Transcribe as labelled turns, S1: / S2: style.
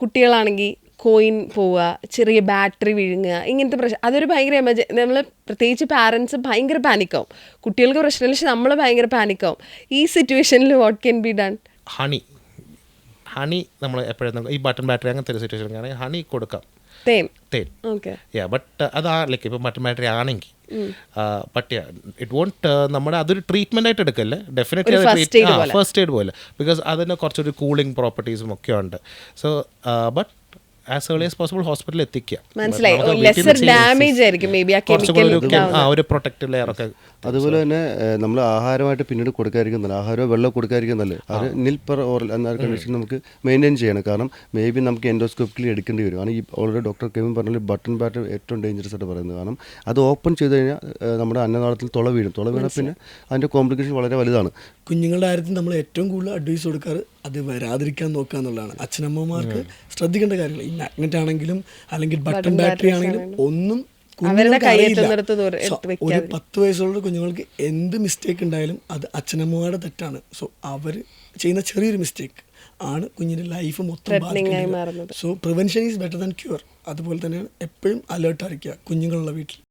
S1: കുട്ടികളാണെങ്കിൽ കോയിൻ പോവുക, ചെറിയ ബാറ്ററി വിഴുങ്ങുക, ഇങ്ങനത്തെ പ്രശ്നം. അതൊരു ഭയങ്കര നമ്മൾ പ്രത്യേകിച്ച് പാരൻസ് ഭയങ്കര പാനിക്കാവും. കുട്ടികൾക്ക് പ്രശ്നമില്ല, പക്ഷെ നമ്മൾ ഭയങ്കര പാനിക്കാവും. ഈ സിറ്റുവേഷനിൽ what can be done?
S2: Honey നമ്മൾ എപ്പോഴും ഈ ബട്ടൺ ബാറ്ററി അങ്ങനത്തെ ഒരു സിറ്റുവേഷൻ ആണെങ്കിൽ ഹണി കൊടുക്കാം.
S1: തേൻ.
S2: ഓക്കെ. ബട്ട് അതാ ലൈക്ക് ഇപ്പോൾ ബട്ടൺ ബാറ്ററി ആണെങ്കിൽ ബട്ട് ഇറ്റ് വോണ്ട് നമ്മുടെ അതൊരു ട്രീറ്റ്മെൻ്റ് ആയിട്ട് എടുക്കല്ലേ, ഡെഫിനറ്റ്ലി ഫസ്റ്റ് എയ്ഡ് പോലെ, ബിക്കോസ് അതിന് കുറച്ചൊരു കൂളിംഗ് പ്രോപ്പർട്ടീസും ഒക്കെ ഉണ്ട്. So but as early as possible ഹോസ്പിറ്റലിൽ എത്തിക്കുക. ഒരു പ്രൊട്ടക്റ്റീവ് ലെയർ ഒക്കെ.
S3: അതുപോലെ തന്നെ നമ്മൾ ആഹാരമായിട്ട് പിന്നീട് കൊടുക്കാതിരിക്കുന്നല്ല, ആഹാരമോ വെള്ളം കൊടുക്കാതിരിക്കുന്നല്ലേ, അത് നിൽ പെർ ഓറൽ എന്ന കണ്ടീഷൻ നമുക്ക് മെയിൻറ്റെയിൻ ചെയ്യണം. കാരണം മേ ബി നമുക്ക് എൻഡോസ്കോപ്പിക്കലി എടുക്കേണ്ടി വരും. കാരണം ഈ ഓൾറെഡി ഡോക്ടർ കെവിൻ പറഞ്ഞാൽ ബട്ടൺ ബാറ്ററി ഏറ്റവും ഡേഞ്ചറസ് ആയിട്ട് പറയുന്നത്. കാരണം അത് ഓപ്പൺ ചെയ്ത് കഴിഞ്ഞാൽ നമ്മുടെ അന്നനാളത്തിൽ തുള വീഴും പിന്നെ അതിൻ്റെ കോംപ്ലിക്കേഷൻ വളരെ വലുതാണ്.
S4: കുഞ്ഞുങ്ങളുടെ കാര്യത്തിൽ നമ്മൾ ഏറ്റവും കൂടുതൽ അഡ്വൈസ് കൊടുക്കാറ് അത് വരാതിരിക്കാൻ നോക്കുക എന്നുള്ളതാണ്. അച്ഛനമ്മമാർക്ക് ശ്രദ്ധിക്കേണ്ട കാര്യങ്ങൾ. ഈ മാഗ്നറ്റ് ആണെങ്കിലും അല്ലെങ്കിൽ ബട്ടൺ ബാറ്ററി ആണെങ്കിലും ഒന്നും ഒരു 10 വയസ്സുള്ള കുഞ്ഞുങ്ങൾക്ക് എന്ത് മിസ്റ്റേക്ക് ഉണ്ടായാലും അത് അച്ഛനമ്മമാരുടെ തെറ്റാണ്. സോ അവർ ചെയ്യുന്ന ചെറിയൊരു മിസ്റ്റേക്ക് ആണ് കുഞ്ഞിൻ്റെ ലൈഫ് മൊത്തം ബാധിക്കുന്നത്. So prevention is better than cure. അതുപോലെ തന്നെയാണ് എപ്പോഴും അലേർട്ടായിരിക്കുക കുഞ്ഞുങ്ങളുള്ള വീട്ടിൽ.